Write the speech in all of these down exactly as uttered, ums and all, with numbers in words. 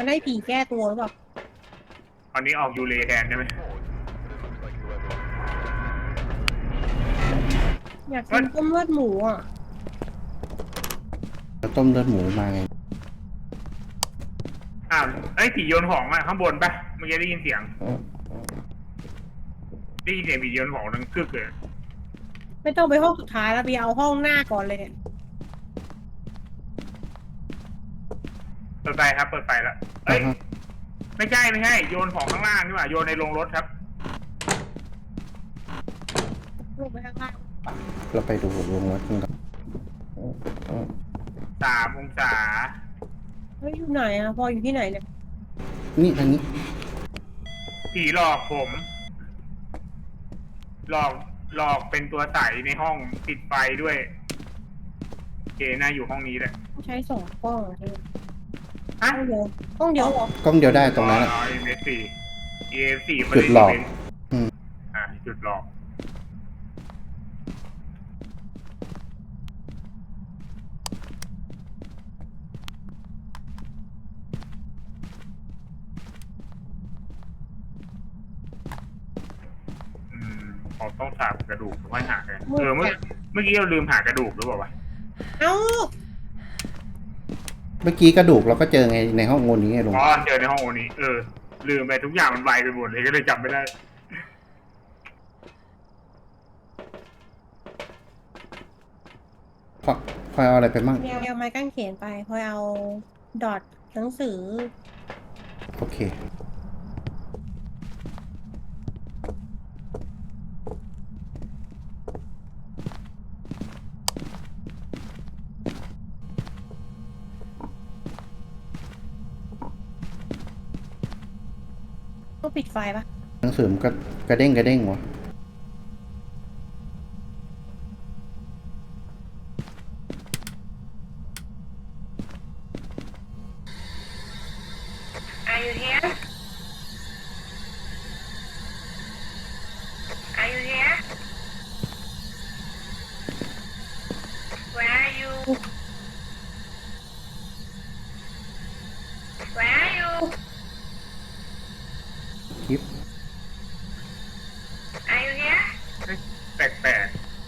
มันได้ผีแก้ตัวหรือเปล่าตอนนี้ออกยูเรแทนใช่ไหมอยากกินต้มเลือดหมูอ่ะเราต้มเลือดหมูมาไงอ้าวไอ้ผีโยนของอะข้างบนปะเมื่อกี้ได้ยินเสียงได้ยินเสียงผีโยนของดังกึกเลยไม่ต้องไปห้องสุดท้ายแล้วไปเอาห้องหน้าก่อนเลยเนี่ยเปิดไฟครับเปิดไฟแล้วเอ้ยไม่ใช่ไม่ใช่โยนของข้างล่างนี่หว่าโยนในโรงรถครับลงไปข้างล่างเราไปดูวงรถกันก่อนสามองศาเฮ้ยอยู่ไหนอ่ะพออยู่ที่ไหนเนี่ยนี่อันนี้ผีหลอกผมหลอกหลอกเป็นตัวใสในห้องปิดไฟด้วยเกน่าอยู่ห้องนี้แหละใช้สองกล้องใช่ไหมฮะกล้องเดียวกล้องเดียวหรอกล้องเดียวได้ตรงนั้นอ๋อ เอ็ม เอส สี่ เอ็ม เอส สี่จุดหลอกอ่าจุดหลอกผมต้องถามกระดูกไว้หากันเออเมื่อเมื่อกี้เราลืมหากระดูกหรือเปล่าวะเอ้าเมื่อกี้กระดูกเราก็เจอไงในห้องโอนี้ไงลุงอ๋อเจอในห้องโอนี้เออลืมไปทุกอย่างมันไวไปหมดเลยก็เลยจำไม่ได้พอพอเอาอะไรไปมั่งเดี๋ยวเอาไม้กางเขนไปพอเอาดอทหนังสือโอเคต้องปิดไฟปะหนังสือมันก็กระเด้งกระเด้งวะคลิปแปลก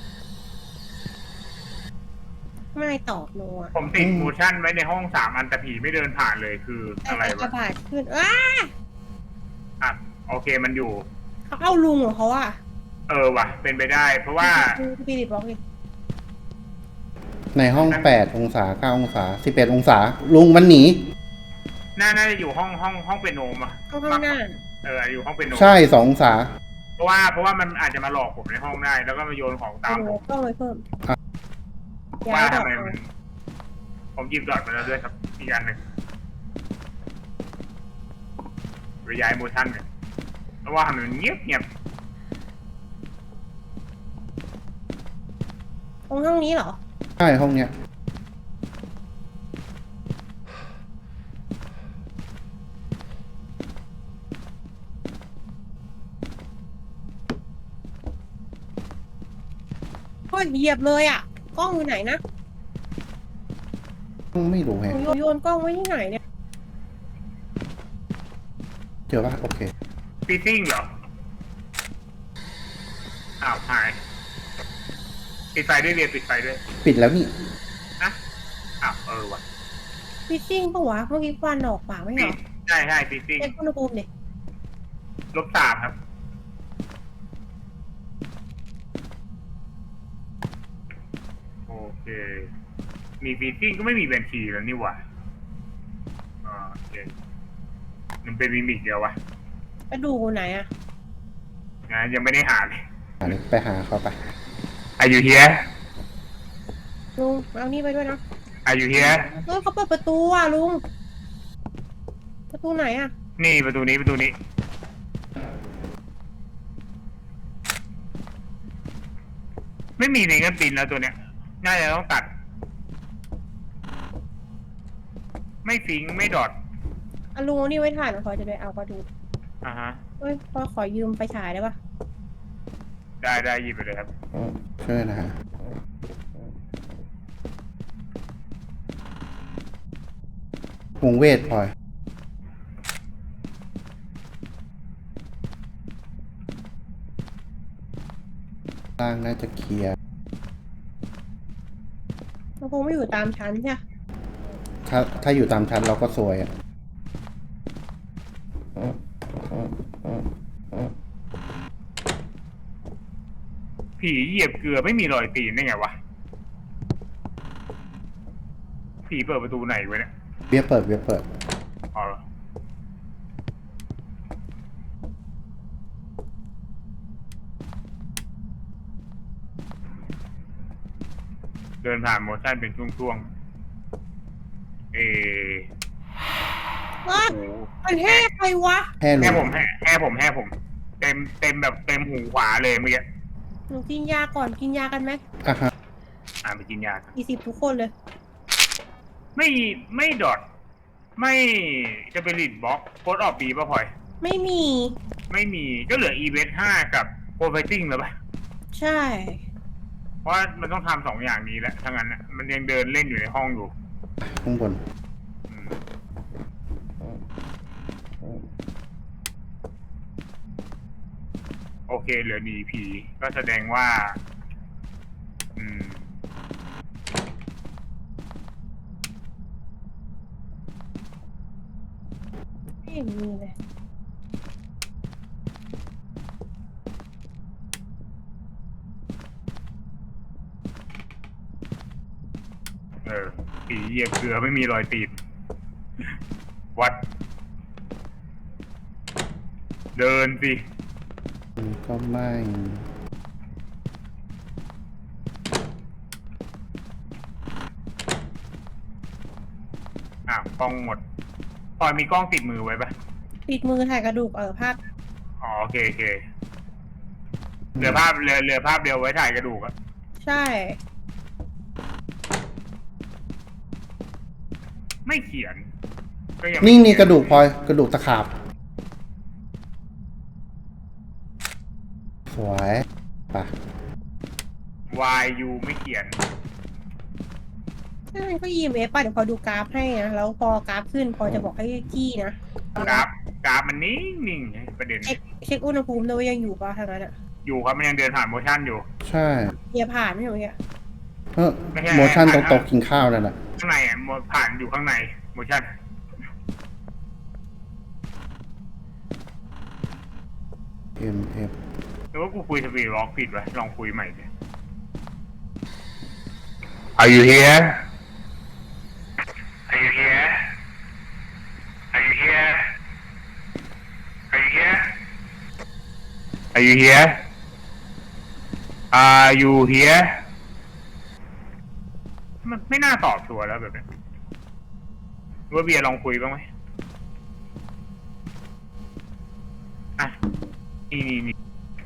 ๆไม่ตอบโนอ่ะๆผมติดโมชั่นไว้ในห้องสามอันแต่ผีไม่เดินผ่านเลยคืออะไรวะกระบาดขึ้นอ้าอ่ะโอเคมันอยู่เขาเอาลุงเหรอเขาอ่ะเออว่ะเป็นไปได้เพราะว่าปีดิบล็อกดิในห้องแปดองศาเก้าองศาสิบเอ็ดองศาลุงมันหนีน่าน่าจะอยู่ห้องห้องห้องเป็นโนมอ่ะห้องข้างหน้าเอออยู่ห้องเป็นโนมใช่สององศาเพราะว่าเพราะว่ามันอาจจะมาหลอกผมในห้องได้แล้วก็มาโยนของตามผมต้องเลยเพิ่มว่าทำไมมันผมหยิบดอทมาแล้วด้วยครับอีกอันหนึ่งระยายโมชั่นเนี่ยเพราะว่าทำไมมันเงียบเงียบตรงห้องนี้เหรอใช่ห้องเนี้ยก็เหยียบเลยอ่ะกล้องอยู่ไหนนะไม่รู้แฮะโยนกล้องไว้ที่ไหนเนี่ยเจอป่ะโอเคฟิซซิ่งเหรออ้าวหายปิดไฟด้วยเรียนปิดไฟด้วยปิดแล้วนี่อะอ้าวเออว่ะฟิซซิ่งปะวะเมื่อกี้ควันออกปากไม่เหรอใช่ใช่ฟิซซิ่งเช็คอุณหภูมิดิลบสามครับโอเคมีฟิซซิ่งก็ไม่มีแบนชีแล้วนี่หว่าอ่าโอเคมันเป็นมิมิกเดียววะกระดูกไหนอะงั้นยังไม่ได้หาเลยไปหาเขาไป Are you here ลุงเอานี่ไปด้วยนะ Are you here เออเขาเปิดประตูอ่ะลุงประตูไหนอะนี่ประตูนี้ประตูนี้ไม่มีในเงินตินแล้วตัวเนี้ยน่าจะต้องตัดไม่ฟิงไม่ดอทอ่ะลุงเอานี่ไว้ถ่ายหน่อยพอจะไปเอากระดูกอ่าฮะเฮ้ยพอขอยืมไฟฉายได้ปะได้ได้หยิบไปเลยครับช่วยนะฮะวงเวทพลอยวล่างน่าจะเคลียร์มันคงไม่อยู่ตามชั้นใช่ไหมถ้าถ้าอยู่ตามชั้นเราก็ซวยอ่ะผีเหยียบเกลือไม่มีรอยตีนได้ไงวะผีเปิดประตูไหนไว้เนี่ยเบียร์เปิดเบียร์เปิดอ๋อเดินผ่านโมชั่นเป็นช่วงๆเอว้าโอ้โหมันแห่ใครวะแห่ลแห่งผมแห่แห่ผมแห่ผม เต็มเต็มแบบเต็มหูขวาเลยเมื่อกี้หนูกินยาก่อนกินยากันไหมอ่ะฮะอ่านไปกินยากี่สิบทุกคนเลยไม่ไม่ดอทไม่จะเป็นลิดบล็อกโคดออกปีป่ะพลอยไม่มีไม่มีก็เหลืออีเวนต์ห้ากับโปรไฟติ้งแล้วป่ะใช่เพราะมันต้องทำสองอย่างนี้แหละถ้างั้นน่ะมันยังเดินเล่นอยู่ในห้องอยู่ข้างบนอืมโอเคเหลือหนีผี ก็แสดงว่า อืมไม่เห็นมีเลยเออผีเหยียบเกลือไม่มีรอยตีน วัด เดินสิก็ไม่อ่ะกล้องหมดพลอยมีกล้องติดมือไว้ปะปิดมือถ่ายกระดูกเออภาพอ๋อโอเคโอเคเหลือภาพเหลือเหลือภาพเดียวไว้ถ่ายกระดูกอะใช่ไม่เขียนก็ยังนี่นี่กระดูกพลอยกระดูกตะขาบ สวยป่ะวายยูไม่เขียนถ้ามันก็ อี เอ็ม เอฟ ป่ะเดี๋ยวพอดูกราฟให้นะ แล้วพอกราฟขึ้นพอจะบอกให้จี้นะกราฟกราฟมันนิ่งนิ่งไงประเด็นเช็คเช็คอุณหภูมิด้วยว่ายังอยู่ป่ะทางนั้นอ่ะอยู่ครับมันยังเดินผ่านโมชั่นอยู่ใช่เยียผ่านไม่ใช่เหรอเนี่ยเออไม่ใช่โมชั่นตรงโต๊ะกินข้าวนั่นแหละข้างในอ่ะโมผ่านอยู่ข้างในโมชั่นเอ็มเอฟหรือว่ากูคุยสปีดวอล์กผิดวะลองคุยใหม่ดิ Are you here Are you here Are you here Are you here Are you here Are you here มันไม่น่าตอบตัวแล้วแบบนี้ว่าเบียร์ลองคุยบ้างไหมอ่ะนี่นี่นี่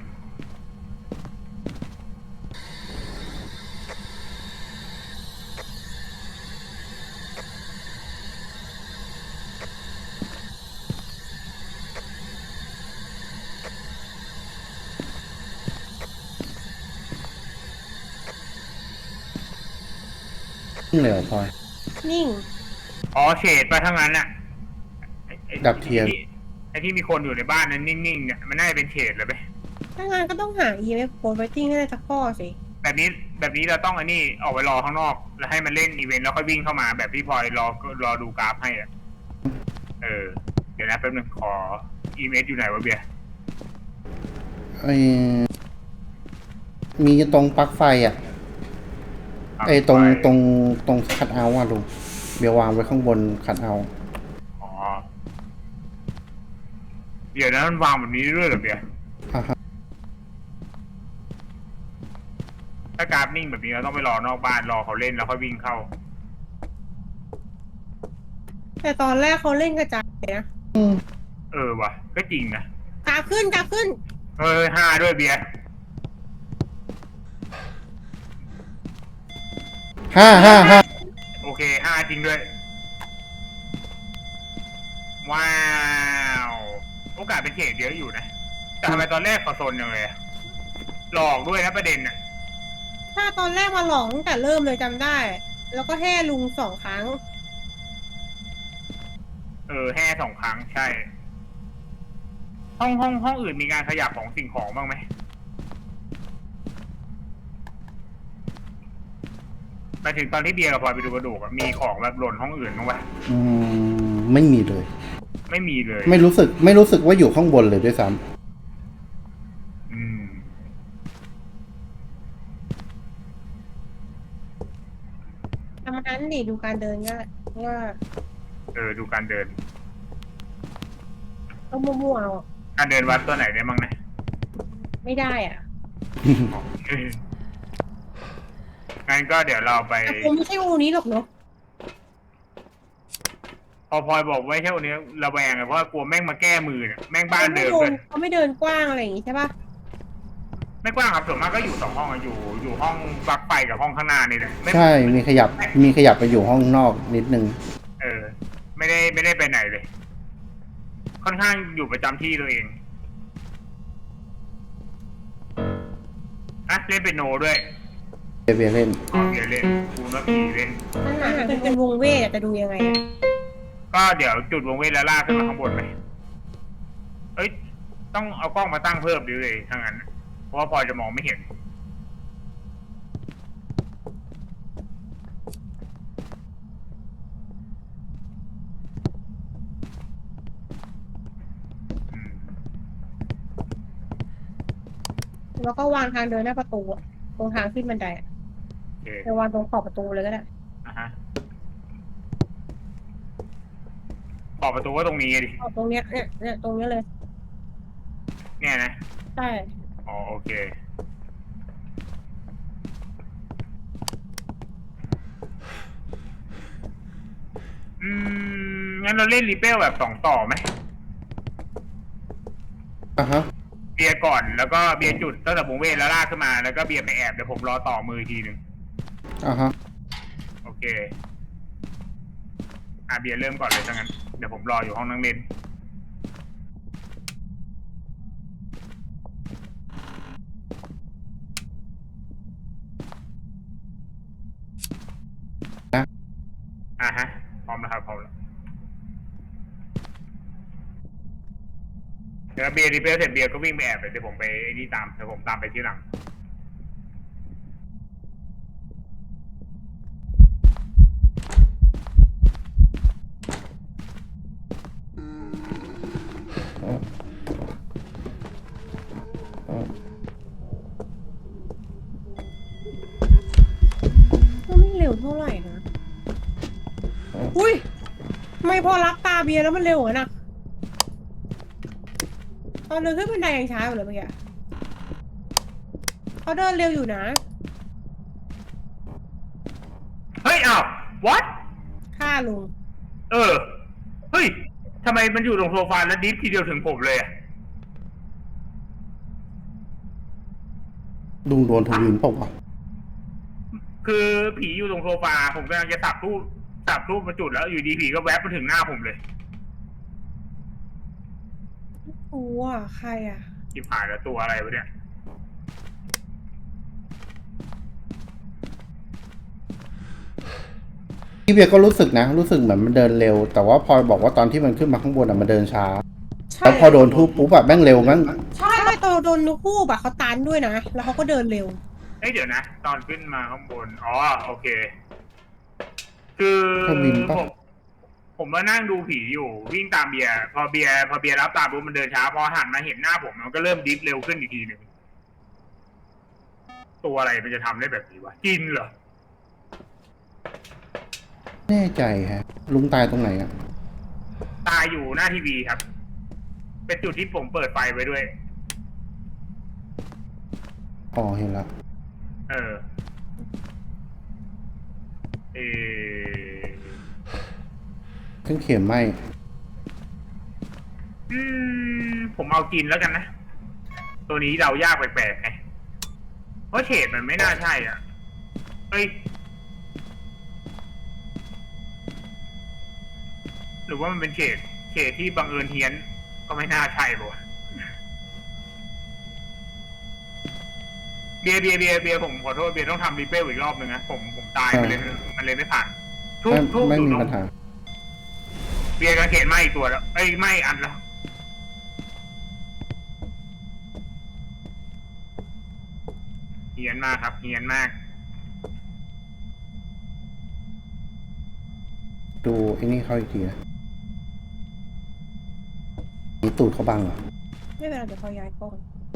เหลวพลอยนิ่งอ๋อเฉดไปทั้งนั้นน่ะไอ้ไอ้ดับเทียนไอ้ที่ไอ้ที่มีคนอยู่ในบ้านนั้นนิ่งๆเนี่ยมันน่าจะเป็นเฉดเลยไปถ้างานก็ต้องหา อี เอ็ม เอฟ code writing ให้ได้สักข้อสิแบบนี้แบบนี้เราต้องอันนี้ออกไปรอข้างนอก แล้วให้มันเล่นอีเวนต์แล้วค่อยวิ่งเข้ามาแบบที่พลอยรอรอดูกราฟให้อ่ะเออเดี๋ยวนะแป๊บนึงขออีเมลอยู่ไหนวะเบียร์ไอมีตรงปลั๊กไฟอ่ะ ไอตรงตรงตรงคัดเอาท์อ่ะลุงเบียร์วางไว้ข้างบนคัดเอาท์อ๋อเดี๋ยวนะมันวางแบบนี้ด้วยเหรอเบียร์อ่ะฮะถ้ากราฟนิ่งแบบนี้เราต้องไปรอนอกบ้านรอเขาเล่นแล้วค่อยวิ่งเข้าแต่ตอนแรกเขาเล่นกระจายนะอืมเออว่ะก็จริงนะกราฟขึ้นกราฟขึ้นเฮ้ยห้าด้วยเบียร์ห้าห้าห้าโอเคห้าจริงด้วย ว้าวโอกาสเป็นเขตเยอะอยู่นะแต่ทำไมตอนแรกเขาโซนยังเลยอะหลอกด้วยนะประเด็นน่ะถ้าตอนแรกมาหลอกตั้งแต่เริ่มเลยจำได้ แล้วก็แห่ลุงสองครั้งเออแห่สองครั้งใช่ ห้องห้องห้องอื่นมีการขยับของสิ่งของบ้างไหมมาถึงตอนที่เบียร์กับพลอยไปดูกระดูกอะมีของแบบหล่นห้องอื่นบ้างปะอืมไม่มีเลยไม่มีเลยไม่รู้สึก ไม่รู้สึกว่าอยู่ข้างบนเลยด้วยซ้อืมทำนั้นดิดูการเดินก็ว่าเออดูการเดินต้องมั่วๆเอาการเดินวัดตัวไหนได้บ้างนะไม่ได้อ่ะำอ๋อเอองั้นก็เดี๋ยวเราไปแต่คงไม่ใช่อูนี้หรอกเนาะพอพลอยบอกไว้แค่วันนี้ระแวงเลยเพราะว่ากลัวแม่งมาแก้มือเนี่ยแม่งบ้านเดิมเขาเลไม่ยเขาไม่เดินกว้างอะไรอย่างงี้ใช่ปะไม่กว้างครับส่วนมากก็อยู่สองห้องอะอยู่อยู่ห้องปลั๊กไฟกับห้องข้างหน้านี่แหละไม่ใช่ มีขยับ มีขยับไปอยู่ห้องนอกนิดนึงเออ ไม่ได้ไม่ได้ไปไหนเลย ค่อนข้างอยู่ประจำที่ตัวเองอะเล่นเป็นโนด้วยเบเบเล่นอ๋อเดี๋ยวเล่นคูนว่าผีเล่นข้างหน้าเป็นเป็นวงเวทอะจะดูยังไงอะก็เดี๋ยวจุดวงเว้นแล้วลากขึ้นมาข้างบนไหมเอ้ย ต้องเอากล้องมาตั้งเพิ่มดิเลยถ้างั้น เพราะว่าพลอยจะมองไม่เห็น อืมแล้วก็วางทางเดินหน้าประตูอะตรงทางขึ้นบันไดอะโอเคไปวางตรงขอบประตูเลยก็ได้อ่ะฮะขอบประตูก็ตรงนี้ดิขอบตรงเนี้ยเนี่ยเนี่ยตรงเนี้ยเลยเนี่ยนะใช่อ๋อโอเค อืม งั้นเราเล่นรีเปลแบบสองต่อไหมอ่ะฮะเบียร์ก่อนแล้วก็เบียร์จุดตั้งแต่วงเวทแล้วลากขึ้นมาแล้วก็เบียร์ไปแอบเดี๋ยวผมรอต่อมืออีกทีหนึ่งอ่ะฮะโอเค อ่ะเบียร์เริ่มก่อนเลยถ้างั้น เดี๋ยวผมรออยู่ห้องนั่งเล่นนะอ่ะฮะ พร้อมแล้วครับพร้อมแล้วเดี๋ยวเบียร์รีเปลเสร็จเบียร์ก็วิ่งไปแอบเลยเดี๋ยวผมไปไอ้นี่ตามเดี๋ยวผมตามไปที่หลังก็ไม่เร็วเท่าไหร่นะ อุ้ยทำไมพอรับตาเบียร์แล้วมันเร็วอะนะตอนเดินขึ้นบันไดยังช้าอยู่เลยเมื่อกี้เขาเดินเร็วอยู่นะเฮ้ยอ้าว what ฆ่าลุงเออ เฮ้ยทำไมมันอยู่ตรงโซฟาแล้วดิฟทีเดียวถึงผมเลยอะลุงโดนทวินเปล่าวะคือผีอยู่ตรงโซฟาผมกำลังจะสับรูปสับรูปมาจุดแล้วอยู่ดีผีก็แวบมาถึงหน้าผมเลยโอ้อ่ะใครอ่ะที่ผ่านแล้วตัวอะไรวะเนี่ยพี่เบียร์ก็รู้สึกนะ รู้สึกเหมือนมันเดินเร็ว แต่ว่าพลอยบอกว่าตอนที่มันขึ้นมาข้างบนอ่ะมันเดินช้าใช่แล้วพอโดนทุบปุ๊บแบบแม่งเร็วแม่งใช่ตอนโดนนุคู่แบบเขาตันด้วยนะ แล้วเขาก็เดินเร็วเอ้ยเดี๋ยวนะ ตอนขึ้นมาข้างบน อ๋อโอเค คือทวินปะผมผมมานั่งดูผีอยู่วิ่งตามเบียร์พอเบียร์พอเบียร์รับตามปุ๊บมันเดินช้าพอหันมาเห็นหน้าผมมันก็เริ่มดิฟเร็วขึ้นอีกทีหนึ่งตัวอะไรมันจะทำได้แบบนี้วะกินเหรอแน่ใจฮะ ลุงตายตรงไหนอ่ะตายอยู่หน้าทีวีครับ เป็นจุดที่ผมเปิดไฟไว้ด้วยอ๋อเห็นละเออ เออเครื่องเขียนไหมอืม ผมเอากินแล้วกันนะ ตัวนี้เรายากแปลกๆไงเพราะเฉดมันไม่น่าใช่อ่ะ เฮ้ย หรือว่ามันเป็นเฉดเฉดที่บังเอิญเฮี้ยน ก็ไม่น่าใช่ป่ะเบียร์เบียร์เบียร์เบียร์ผมขอโทษเบียร์ต้องทำรีเปลอีกรอบหนึ่งนะผมผมตายมันเลยมันเลยไม่ผ่านทุกไม่ทุกไม่ดูมีนกปัญหาเบียร์กระเขนไหมอีกตัวแล้วเอ้ยไหมอันแล้วเฮี้ยนมากครับเฮี้ยนมากดูไอ้นี่เขาอีกทีนะมีตูดเขาบังเหรอไม่เป็นไรเดี๋ยวเขาย้ายกล้อง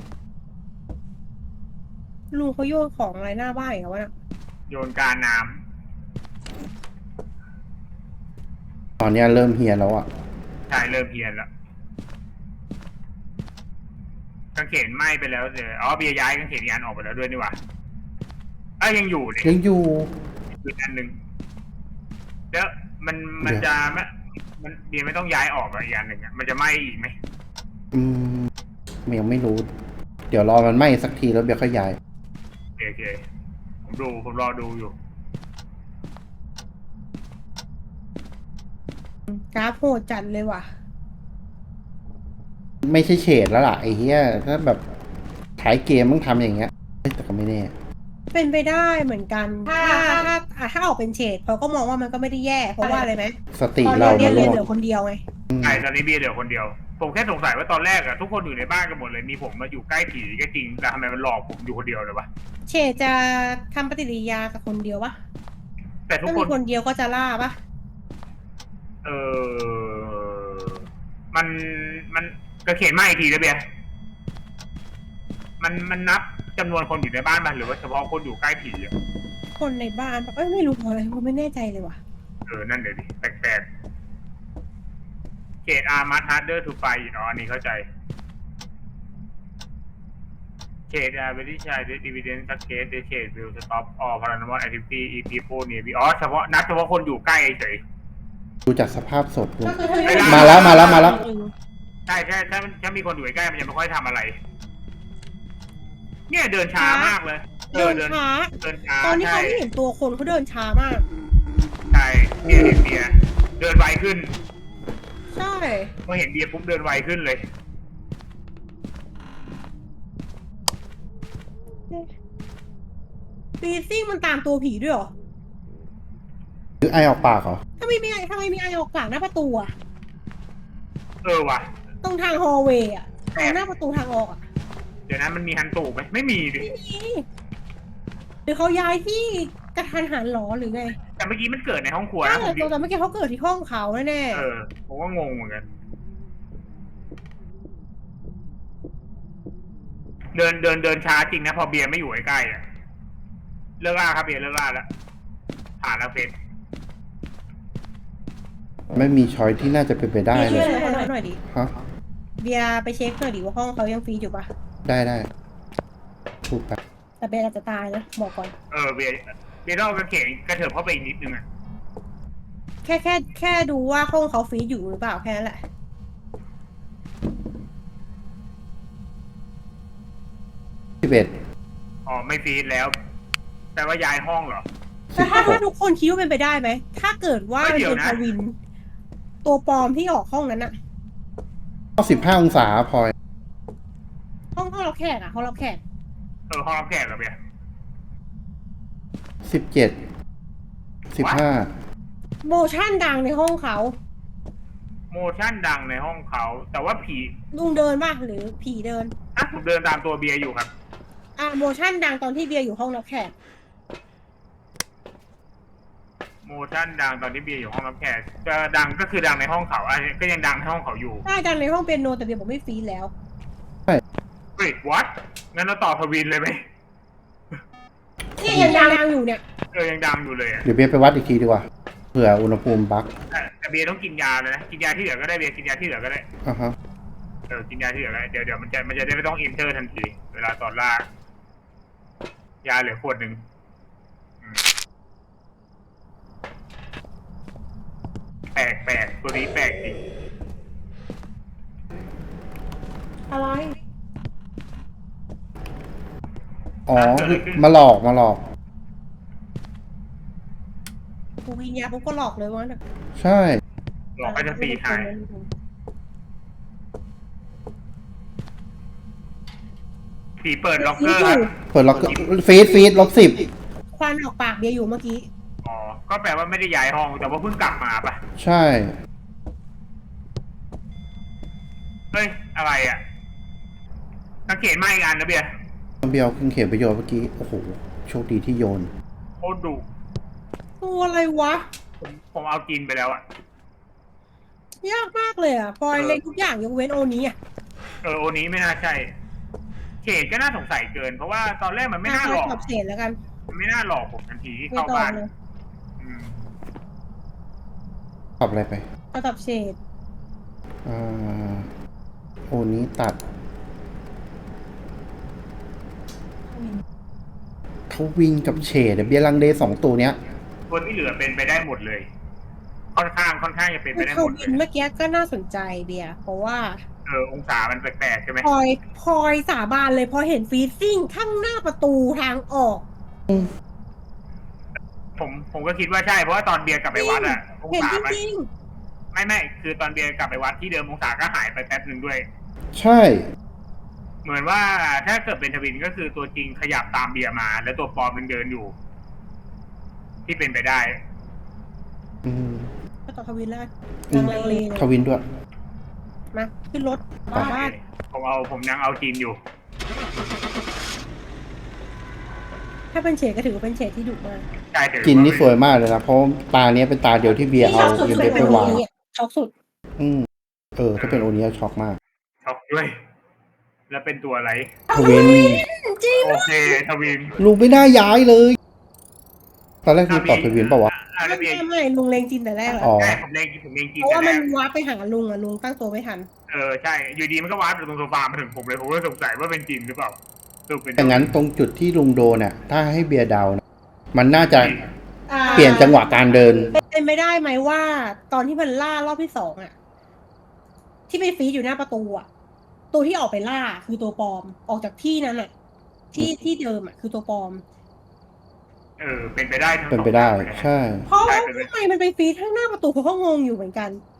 ลุงเขาโยนของอะไรหน้าบ้านเหรอวะน่ะโยนการน้ตอนเนี้ยเริ่มเฮียแล้วอ่ะำใช่เริ่มเพี้ยนแล้วกางเขนไหม้ไปแล้วเดี๋ยวอ๋อเบียร์ย้ายกางเขนยานออกไปแล้วด้วยนี่หว่าเอ้ยยังอยู่เลยยังอยู่อีกอันหนึ่งแล้วมันมันจะไม่มันเบียร์ไม่ต้องย้ายออกอะอีกอันหนึ่งอะมันจะไหม้อีกไหมอืมยังไม่รู้ เดี๋ยวรอมันไหม้สักทีแล้วเบียร์ค่อยย้ายโอเคโอเคผมดูผมรอดูอยู่กราฟโหดจัดเลยว่ะไม่ใช่เฉดแล้วล่ะไอ้เหี้ยถ้าแบบขายเกมมึงทำอย่างเงี้ยเฮ้ยแต่ก็ไม่แน่เป็นไปได้เหมือนกัน ถ้าถ้าอ่ะถ้าออกเป็นเฉดเขาก็มองว่ามันก็ไม่ได้แย่ เพราะว่าอะไรไหมสติตอนเราเรียนมันเรียนหมเหดลือคนเดียวไงใช่ตอนนี้เบียร์เหลือคนเดียว ผมแค่สงสัยว่าตอนแรกอะทุกคนอยู่ในบ้านกันหมดเลยมีผมมาอยู่ใกล้ผีก็จริงแต่ทำไมมันหลอกผมอยู่คนเดียวเลยวะเฉดจะทำปฏิกิริยากับคนเดียวปะแต่ทุกถ้าคมีนคนเดียวก็จะล่าปะเออมันมันก็เขียนมาอีกทีนะเบียร์มันมันนับจำนวนคนอยู่ในบ้านมันหรือว่าเฉพาะคนอยู่ใกล้ผีอะคนในบ้านปะเอ้ยไม่รู้เพราะอะไรผมไม่แน่ใจเลยว่ะเออนั่นเดี๋ยวดิแปลกๆเขตอาร์มัสฮาร์เดอร์ทูไฟอ๋ออันนี้เข้าใจเขตอาร์เวดิชัยดิวิเดนซักเคสเดเขตวิลสต็อปออพารานอมอลแอคทิวิตี้อีพีโฟเนียบีอ๋อเฉพาะนับเฉพาะคนอยู่ใกล้เฉยดูจากสภาพศพดูก็คือไม่ได้มาแล้วมาแล้วมาแล้วใช่ใช่ถ้าถ้ามีคนอยู่ใกล้มันจะไม่ค่อยทำอะไร เนี่ยเดินช้ามากเลยเดินช้าเดินช้าตอนนี้ใช่เขาไม่เห็นตัวคนเขาเดินช้ามากใช่เบียร์เห็นเบียร์เดินไวขึ้นใช่พอเห็นเบียร์ปุ๊บเดินไวขึ้นเลยฟีซิ่งมันตามตัวผีด้วยเหรอหรือไอออกปากเหรอถ้าไม่มีไอทำไมมีไอออกกลางหน้าประตูอะเออว่ะตรงทางฮอลล์เวย์อะตรงหน้าประตูทางออกอะเดี๋ยวนั้นมันมีฮันตูไหมไม่มีดิไม่มีหรือเขาย้ายที่กระทันหันหรอหรือไงแต่เมื่อกี้มันเกิดในห้องครัวใช่นะผมแต่แต่เมื่อกี้เขาเกิดที่ห้องเขาแน่เออผมก็งงเหมือนกัน เดินเดินเดินช้าจริงนะพอเบียร์ไม่อยู่ใกล้ๆอ่ะเลิกล่าครับเบียร์เลิกล่าแล้วผ่านแล้วเฟสไม่มีช้อยที่น่าจะเป็นไปๆได้เบีเลย ยร์ช่วยเขาหน่อยดิฮะเบียร์ไปเช็คหน่อยดิว่าห้องเขายังฟรีอยู่ปะได้ได้ถูกปะแต่เบียร์อาจจะตายนะบอกก่อนเออเบียร์เบียร์ต้องเอากระเขนกระเถิบเข้าไปอีกนิดนึงอ่ะแค่แค่แค่ดูว่าห้องเขาฟรีอยู่หรือเปล่าแค่นั้นแหละสิบเอ็ดอ๋อไม่ฟีดแล้ว แต่ว่าย้ายห้องเหรอแต่ถ้าถ้าทุกคนคิดว่าเป็นไปได้ไหมถ้าเกิดว่าเฮ้ยมันเดี๋ยวเป็นนะทวิน ตัวปลอมที่ออกห้องนั้นอะสิบห้าองศาพลอยห้องห้องรับแขกอะห้องรับแขกเออห้องรับแขกเหรอเบียร์สิบเจ็ดสิบห้าโมชั่นดังในห้องเขาโมชั่นดังในห้องเขา แต่ว่าผีลุงเดินป่ะหรือผีเดินอ่ะผมเดินตามตัวเบียร์อยู่ครับอ่ะโมชั่นดังตอนที่เบียร์อยู่ห้องรับแขกโมชั่นดังตอนที่เบียร์อยู่ห้องรับแขกจะดังก็คือดังในห้องเขาอ่ะก็ยังดังในห้องเขาอยู่ใช่ดังในห้องเปียโนแต่เบียร์บอกไม่ฟรีแล้วเฮ้ยวัดงั้นเราต่อทวินเลยไหมนี่ยังดังอยู่เนี่ยเออยังดังอยู่เลยอ่ะเดี๋ยวเบียร์ไปวัดอีกทีดีกว่าเผื่ออุณหภูมิบั๊กแต่แต่เบียร์ต้องกินยาเลยนะกินยาที่เหลือก็ได้เบียร์กินยาที่เหลือก็ได้อ่ะฮะเออกินยาที่เหลือก็ได้เดี๋ยวเดี๋ยวมันจะมันจะได้ไม่ต้องอินเตอร์ทันทีเวลาตอนล่ายาเหลือขวดหนึ่งอืมแปลกแปลกตัวนี้แปลกจริงอะไรอ๋อมาหลอกมาหลอกกูวิญญาปุ๊บก็หลอกเลยว่าใช่หลอกก็จะตีทายผีเปิดล็อกเกอร์ครับเปิดล็อกฟีดฟีดลบสิบควันออกปากเบียร์อยู่เมื่อกี้อ๋อก็แปลว่าไม่ได้ย้ายห้องแต่ว่าเพิ่งกลับมาปะใช่เฮ้ยอะไรอ่ะสังเกตมาอีกอันนะเบียร์เบียร์เอาเครื่องเขียนประโยชน์เมื่อกี้ โอ้โห โชคดีที่โยนโคตรดุตัวอะไรวะผมผมเอาจินไปแล้วอะยากมากเลยอ่ะพลอยเออเล็งทุกอย่างยกเว้นโอนี้อ่ะเออโอนี้ไม่น่าใช่เฉดก็น่าสงสัยเกิน เพราะว่าตอนแรกมันไม่น่าหลอกตอบเศษแล้วกันมันไม่น่าหลอกผมทันทีที่ไม่เข้าตอบบ้านเลยอืมตอบอะไรไปก็ตอบเศษอ่าโอ้นี้ตัดทวินกับเฉดเบียร์ลังเลสองตัวเนี้ยตัวที่เหลือเป็นไปได้หมดเลย ค่อนข้างค่อนข้างจะเป็นไปได้เขาหมดเลวิยนเมื่อกี้ก็น่าสนใจเบียร์เพราะว่าเออองศามันแปลกๆใช่ไหมพลอยพลอยสาบานเลยพอเห็นฟรีซิ่งข้างหน้าประตูทางออกผมผมก็คิดว่าใช่เพราะว่าตอนเบียร์กลับไปวัดอะองเห็นศาจมันริงไม่ไม่คือตอนเบียร์กลับไปวัดที่เดิมองศาก็หายไปแป๊บหนึ่งด้วยใช่เหมือนว่าถ้าเกิดเป็นทวินก็คือตัวจริงขยับตามเบียร์มา แล้วตัวปลอมยังเดินอยู่ ที่เป็นไปได้อืมๆก็ตอบทวินแล้วกันอืมลังเลเลยทวินด้วยมาขึ้นรถกลับบ้านผมเอาผมยังเอาจีนอยู่ถ้าเป็นเฉดก็ถือว่าเป็นเฉดที่ดุมากใช่ถือจินนี่สวยมากเลยนะ เพราะตาเนี้ยเป็นตาเดียวที่เบียร์เอาที่เยช็นอกเดสุดฟไปวางคือเป็นโอนี้ช็อกสุดอืม เออ ถ้าเป็นโอนี้ช็อกมากช็อกด้วย แล้วเป็นตัวอะไรทวินจริงโอเคทวินลุงไม่น่าย้ายเลย ตอนแรกลุงตอบทวินเปล่าวะอ่าแล้วเบียร์ไม่ไม่ลุงเลงจินแต่แรกแล้วอ๋อใช่ผมเล่นผมเล่นจีนเพราะว่าแต่แรมันกว้าร์ปไปหาลุงอะลุงตั้งตัวไม่ทันเออใช่ อยู่ดีมันก็วาร์ปอยู่ตรงโซฟามาถึงผมเลยผมก็สงสัยว่าเป็นจีนหรือเปล่าสรุปเป็นแต่งั้นตรงจุดที่ลุงโดนน่ะ ถ้าให้เบียร์เดานะมันน่าจะอ่าเปลี่ยนจังหวะการเดินเป็นไม่ได้ไหมว่า ตอนที่มันล่ารอบที่สองอะที่ไปฟีดอยู่หน้าประตูอะตัวที่ออกไปล่าคือตัวปลอมออกจากที่นั้นอะที่ที่เดิมอะคือตัวปลอมเออเป็นไปได้ทั้งเป็นไปได้สองอย่างเลยนะใช่เพราะใช่ว่าเป็นไปทำไมมันไปฟีดข้างหน้าประตูเขาก็งงอยู่เหมือนกัน